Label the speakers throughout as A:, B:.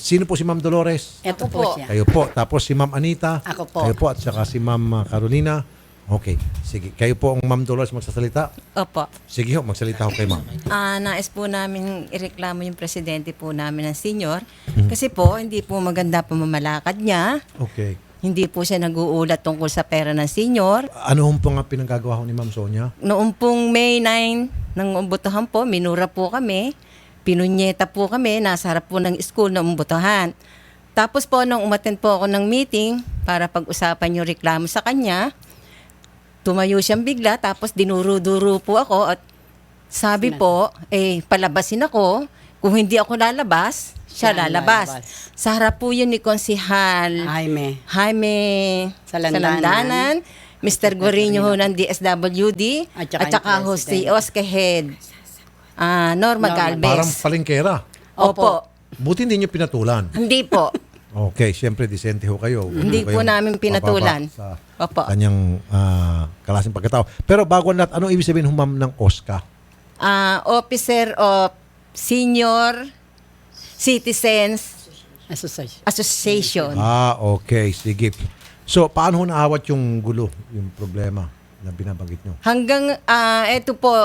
A: Sino po si Ma'am Dolores?
B: Ito
C: Ako
B: po
C: po.
B: siya.
A: Kayo po. Tapos si Ma'am Anita.
B: Ako po.
A: Kayo po. At saka si Ma'am Carolina. Okay. Sige. Kayo po ang Ma'am Dolores magsasalita.
C: Opo.
A: Sige ho. Magsalita ho kay Ma'am.
C: Nais po namin ireklamo yung presidente po namin ng senior. Kasi po, hindi po maganda pamamalakad niya.
A: Okay.
C: Hindi po siya nag-uulat tungkol sa pera ng senior.
A: Ano hong po nga pinanggagawa ho ni Ma'am Sonia?
C: Noong pong May 9 ng umbotohan po, minura po kami. Pinunyeta po kami, nasa harap po ng school na umbotohan. Tapos po, nung umattend po ako ng meeting para pag-usapan yung reklamo sa kanya, tumayo siyang bigla, tapos dinuro-duro po ako at sabi po, palabasin ako. Kung hindi ako lalabas, siya lalabas. Sa harap po yun ni Konsihal Jaime Salandanan, Mr. Guarino ho ng DSWD, at saka ho si Oscar Head, Norma Galvez.
A: Parang palengkera.
C: Opo.
A: Buti hindi nyo pinatulan.
C: Hindi po.
A: Okay, siyempre disente ho kayo.
C: Hindi po namin pinatulan.
A: Sa
C: Opo.
A: kanyang klaseng pagkatao. Pero bago natin, anong ibig sabihin ho ma'am ng OSCA?
C: Officer of Senior Citizens Association.
A: Okay, sige. So, paano ho naawat yung gulo, yung problema na binabanggit nyo?
C: Hanggang, eto po,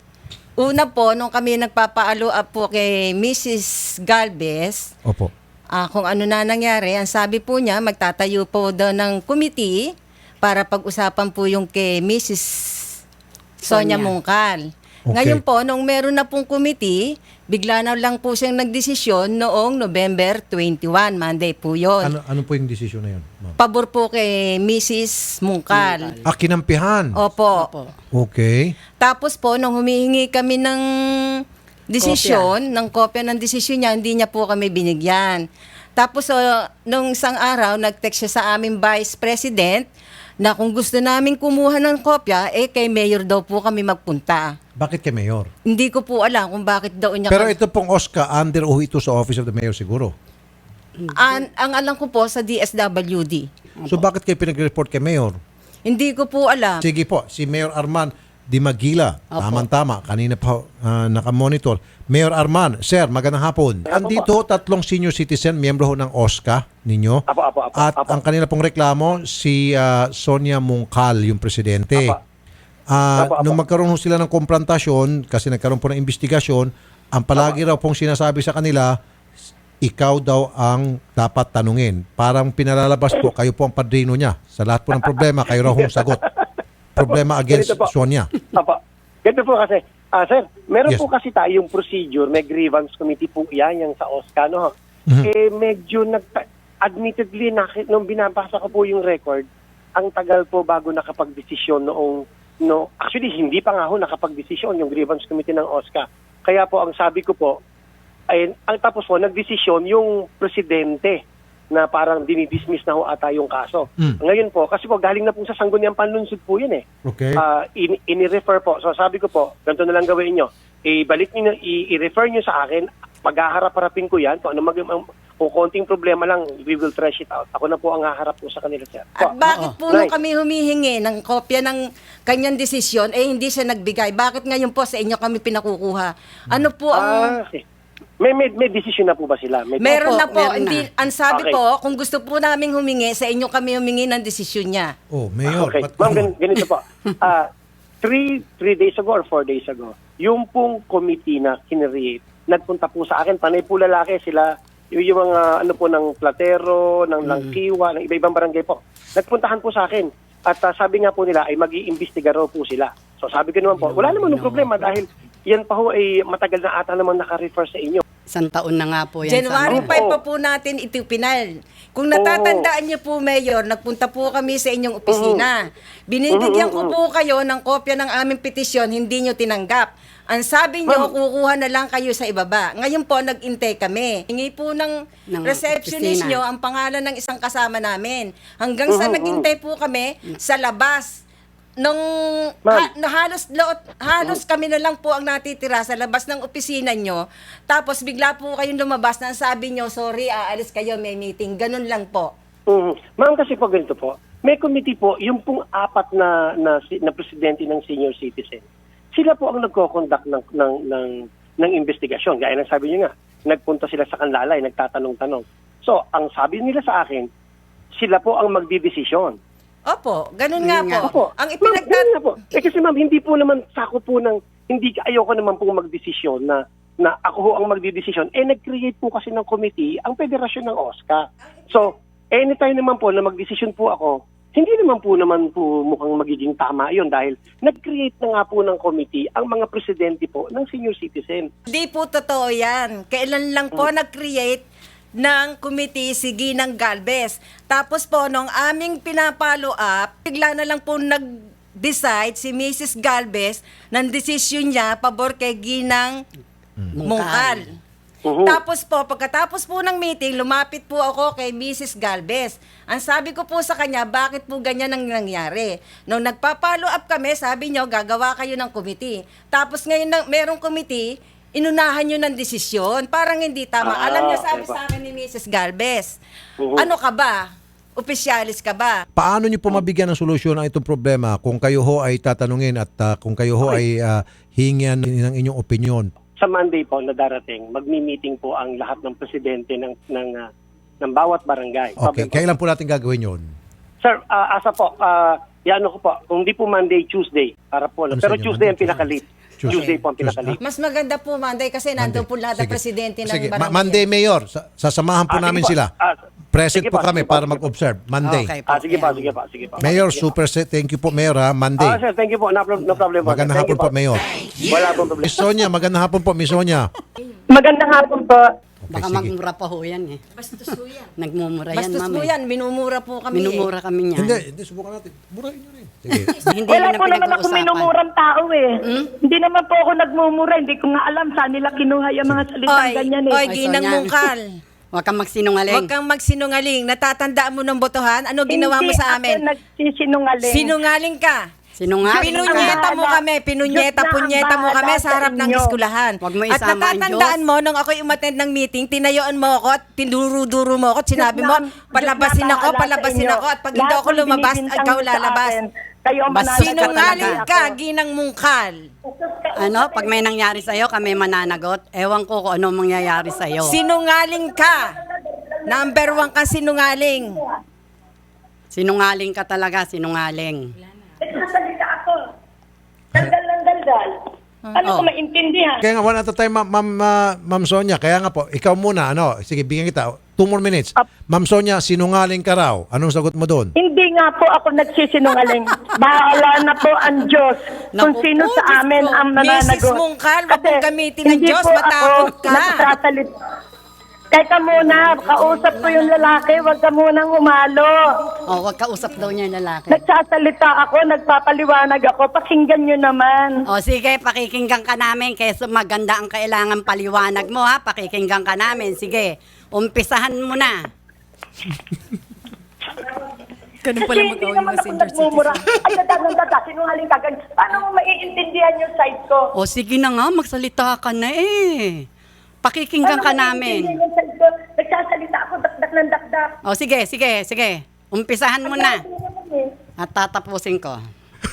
C: una po, nung kami nagpapaalo up po kay Mrs. Galvez,
A: Opo.
C: kung ano na nangyari, ang sabi po niya, magtatayo po daw ng committee para pag-usapan po yung kay Mrs. Sonia Mungkal.
A: Okay.
C: Ngayon po, nung meron na pong committee, bigla na lang po siyang nagdesisyon noong November 21, Monday po yun.
A: Ano po yung desisyon na yun, ma'am?
C: Pabor po kay Mrs. Mungkal.
A: Kinampihan.
C: Opo.
A: Okay.
C: Tapos po, nung humihingi kami ng desisyon, ng kopya ng desisyon niya, hindi niya po kami binigyan. Tapos, nung isang araw, nag-text siya sa aming Vice President na kung gusto namin kumuha ng kopya, kay Mayor daw po kami magpunta.
A: Bakit kay Mayor?
C: Hindi ko po alam kung bakit daw niya...
A: Pero ito pong OSCA, under o ito sa Office of the Mayor siguro.
C: Ang alam ko po sa DSWD.
A: So bakit kayo pinag-report kay Mayor?
C: Hindi ko po alam.
A: Sige po, si Mayor Arman Di Magila. Tama-tama. Kanina pa nakamonitor. Mayor Arman, sir, magandang hapon. Andito tatlong senior citizen, miyembro ho ng OSCA ninyo. At ang kanila pong reklamo, si Sonia Mungkal, yung presidente. Nung magkaroon ho sila ng komprontasyon, kasi nagkaroon po ng investigasyon, ang palagi raw pong sinasabi sa kanila, ikaw daw ang dapat tanungin. Parang pinalalabas po, kayo po ang padrino niya. Sa lahat po ng problema, kayo raw hong sagot. Problema against Sonia.
D: Ganito po kasi, sir, meron
A: Yes.
D: po kasi tayong procedure, may grievance committee po yan, yung sa OSCA, no? Medyo admittedly, nung binabasa ko po yung record, ang tagal po bago nakapag-desisyon actually, hindi pa nga ho nakapag-desisyon yung grievance committee ng OSCA. Kaya po, ang sabi ko po, tapos po, nagdesisyon yung presidente na parang dinidismiss na ho ata yung kaso. Ngayon po, kasi po galing na po sa Sangguniang Panlunsod po yun eh.
A: Okay.
D: Ini-refer po. So sabi ko po, ganito na lang gawin nyo. Ibalik nyo, i-refer nyo sa akin, paghaharap-harapin ko yan. Kung kung konting problema lang, we will trash it out. Ako na po ang haharap po sa kanila, sir.
C: At bakit po nung kami humihingi ng kopya ng kanyang desisyon, hindi siya nagbigay? Bakit ngayon po sa inyo kami pinakukuha? Ano po ang...
D: May decision na po ba sila?
C: Meron na po.
B: meron
C: Hindi,
B: na.
C: ang sabi
D: Okay.
C: po, kung gusto po naming humingi, sa inyo kami humingi ng desisyon niya.
A: Oh, Mayor.
D: Okay. Ma'am, ganito po. 3 days ago or 4 days ago, yung pong committee na kinreate, nagpunta po sa akin, panay po lalaki sila, yung mga ano po ng Platero, ng Langkiwa, ng iba-ibang barangay po. Nagpuntahan po sa akin. At sabi nga po nila ay mag-iimbestiga raw po sila. So sabi ko naman po, wala naman ng problema dahil yan pa ho ay matagal na ata naman naka-refer sa inyo.
B: Isang taon na nga po yan.
C: January 5
D: Oo.
C: pa po natin ito pinal. Kung natatandaan niyo po, Mayor, nagpunta po kami sa inyong opisina. Binibigyan ko po kayo ng kopya ng aming petisyon, hindi niyo tinanggap. Ang sabi niyo, kukuha na lang kayo sa ibaba. Ngayon po, nag-intay kami. Hingi po ng receptionist
B: opisina.
C: niyo ang pangalan ng isang kasama namin. Hanggang sa nag-intay po kami sa labas. Halos kami na lang po ang natitira sa labas ng opisina nyo. Tapos bigla po kayong lumabas na sabi nyo, sorry, aalis kayo, may meeting. Ganun lang po.
D: Ma'am, kasi po ganito po, may committee po, yung pong apat na presidente ng senior citizen, sila po ang nagko-conduct ng investigasyon. Gaya ng sabi nyo nga, nagpunta sila sa Kanlalay, nagtatanong-tanong. So, ang sabi nila sa akin, sila po ang magdidesisyon.
C: Opo, ganun nga po.
D: Opo.
C: Ang
D: Ganun na po. Kasi ma'am, hindi po naman sakop po ng, ayoko naman po magdesisyon na ako ho ang magdidesisyon. Nag-create po kasi ng committee ang Federasyon ng OSCA. So, anytime naman po na magdesisyon po ako, hindi naman po mukhang magiging tama yon dahil nag-create na nga po ng committee ang mga presidente po ng senior citizen.
C: Hindi po totoo yan. Kailan lang po nag-create ng committee si Ginang Galvez. Tapos po, nung aming pinapalo up, bigla na lang po nag-decide si Mrs. Galvez ng desisyon niya pabor kay Ginang Mungkal. Tapos po, pagkatapos po ng meeting, lumapit po ako kay Mrs. Galvez. Ang sabi ko po sa kanya, bakit po ganyan ang nangyari? Nung nagpa-follow up kami, sabi niyo, gagawa kayo ng committee. Tapos ngayon, merong committee, inunahan nyo ng desisyon. Parang hindi tama. Alam niyo, sabi sa akin ni Mrs. Galvez, ano ka ba? Opisyalis ka ba?
A: Paano niyo po mabigyan ng solusyon ang itong problema kung kayo ho ay tatanungin at kung kayo ho ay hingyan ng inyong opinion?
D: Sa Monday po na darating, magmi-meeting po ang lahat ng presidente ng bawat barangay.
A: Okay, kailan po natin gagawin yon?
D: Sir, asa po, ko po, kung di po Monday, Tuesday, para po.
A: Ano
D: Pero
A: sa inyo?
D: Tuesday ang
A: Monday,
D: pinakalit. Tuesday po ang pinakalit.
C: Mas maganda po Monday kasi nandun po lahat ng
A: Sige.
C: presidente ng
A: Sige.
C: barangay.
A: Monday, Mayor, sasamahan po namin
D: sige po.
A: sila. Present
D: Sige
A: po kami
D: sige
A: para
D: sige
A: mag-observe. Monday.
C: Okay po.
D: Sige pa,
C: Ayan.
D: sige pa.
A: Mayor, super set. Thank you po, Mayor, ha. Monday.
D: Sir, thank you po. No problem po.
A: Magandang
D: Thank
A: hapon
D: you
A: po, Mayor.
D: Wala pong problema.
A: Miss Sonia, magandang hapon po, Miss Sonia.
E: Magandang hapon po.
B: Baka
A: sige.
B: magmura pa ho yan eh.
C: Bastos po yan.
B: Nagmumura yan,
C: Bastos
B: ma'am.
C: po yan. Minumura po kami
B: Minumura kami niyan.
A: Hindi, subukan natin. Burahin nyo rin. Sige.
B: Hindi
E: Wala
B: yun ang
E: po naman ako
B: pinag-uusapan.
E: minumurang tao eh. Hindi naman po ako nagmumura. Hindi ko nga alam saan nila kinuha yung mga salitang ganyan eh.
C: Oy, Ginang
B: Sonia.
C: Mungkal.
B: Huwag kang magsinungaling.
C: Huwag kang magsinungaling. Natatandaan mo ng botohan? Ano ginawa mo sa amin?
E: Hindi ako nagsisinungaling.
C: Sinungaling ka.
B: Sinungaling ka.
C: Pinunyeta mo kami, punyeta mo kami sa harap ng eskwelahan.
B: Huwag mo
C: At
B: isama ang
C: natatandaan
B: Diyos.
C: mo, nung ako'y umattend ng meeting, tinayuan mo ako at tinuduro mo ako at sinabi mo, palabasin ako at pag hindi ako lumabas, ikaw lalabas.
E: Kayo ang mananagot
C: Sinungaling
E: talaga
C: ka,
E: ako.
C: Ginang Mungkal.
B: Ano, pag may nangyari sa'yo, kami mananagot. Ewan ko kung ano mangyayari sa'yo.
C: Sinungaling ka. Number 1 ka sinungaling.
B: Sinungaling ka talaga, sinungaling.
E: Nagsasalita ako. Daldal ng daldal. Ano ko maintindihan?
A: Kaya nga, one at a time, Ma'am Sonia. Kaya nga po, ikaw muna, ano, sige, bigyan kita. 2 more minutes. Ma'am Sonia, sinungaling ka raw. Anong sagot mo doon?
E: Hindi nga po ako nagsisinungaling. Bahala na po ang Diyos kung
C: Naku
E: sino
C: po,
E: sa
C: Diyos
E: amin
C: ko.
E: ang mananagot.
C: Mrs. Mungkal, wag mong gamitin ng
E: hindi
C: Diyos,
E: po
C: matakot
E: ako
C: ka.
E: nagsasalita. Teka muna, kausap ko yung lalaki, wag ka munang umalo.
B: Oh, huwag kausap daw niya yung lalaki.
E: Nagsasalita ako, nagpapaliwanag ako, pakinggan nyo naman.
B: O sige, pakikinggan ka namin kaysa maganda ang kailangan paliwanag mo ha. Pakikinggan ka namin. Sige, umpisahan mo na. Ganun pala
E: Kasi hindi naman ako nagmumura. Ay, dada, sinungaling ka. Paano mo maiintindihan yung side ko?
B: O sige na nga, magsalita ka na eh. Pakikinggan ka
E: Paano mo
B: namin.
E: maiintindihan yung side ko? Nagsasalita ako, dakdak ng dakdak.
B: O sige, sige, sige. Umpisahan mo na. At tatapusin ko.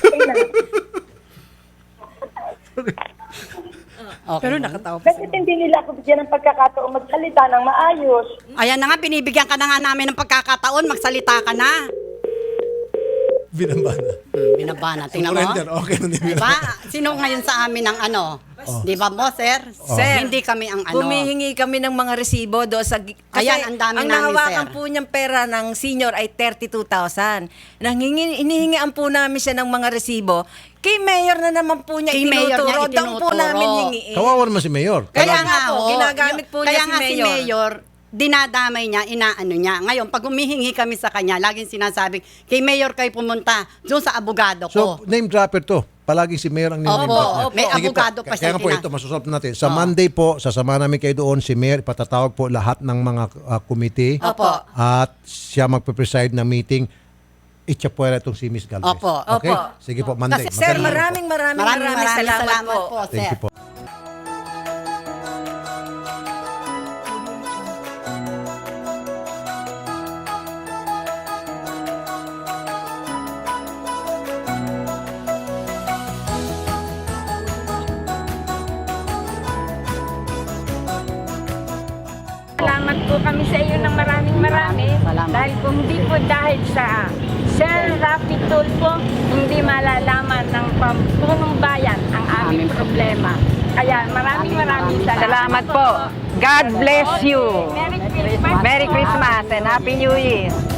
B: Okay.
C: Pero nakatawa pa.
E: Kasi hindi nila ako bigyan ng pagkakataon magsalita ng maayos.
B: Ayan na nga, binibigyan ka na nga namin ng pagkakataon. Magsalita ka na.
A: Binabana.
B: Binabana. Tingnan mo.
A: Surrender. Okay, hindi
B: Diba? Sino ngayon sa amin ang ano? Di ba mo, sir?
C: Sir,
B: Hindi kami ang ano.
C: Humihingi kami ng mga resibo do sa kasi
B: Ayan, ang dami namin,
C: nahawakan
B: sir.
C: po niyang pera ng senior ay 32,000. Hinihingian po namin siya ng mga resibo. Kay mayor na naman po niya
B: Kay mayor niya
C: itinuturo. Doon po
B: itinuturo.
C: namin hingiin.
A: Kawawa naman si Mayor.
B: Kaya
C: Talaga
B: nga
C: po,
B: ho,
C: ginagamit po niya
B: kaya
C: si
B: nga si
C: Mayor.
B: Mayor, dinadamay niya, inaano niya. Ngayon, pag humihingi kami sa kanya, laging sinasabing, kay Mayor kayo pumunta, doon sa abogado
A: So,
B: ko.
A: name dropper to. Palaging si Mayor ang name
B: Opo,
A: dropper.
B: opo. May
A: Sige
B: abogado pa
A: Kaya
B: siya
A: nga po
B: tina-
A: ito, masusolve natin. Sa Monday po, sasama namin kayo doon. Si Mayor, ipatatawag po lahat ng mga committee.
B: Opo.
A: At siya magpe-preside ng meeting. Itchapuera itong si Miss Galvez.
B: Opo.
A: Okay?
C: Opo.
A: Sige po, Monday.
C: Sir,
A: Magaling po.
C: maraming salamat po.
B: sir.
A: Thank you po.
F: Pasalamat po kami sa iyo ng maraming marami. Dahil kung hindi po dahil sa Sir Rafi Tulfo, hindi malalaman ng pampunong bayan ang aming problema. Kaya maraming salamat.
G: Salamat po. God bless you.
F: Merry Christmas.
G: Merry Christmas and Happy New Year.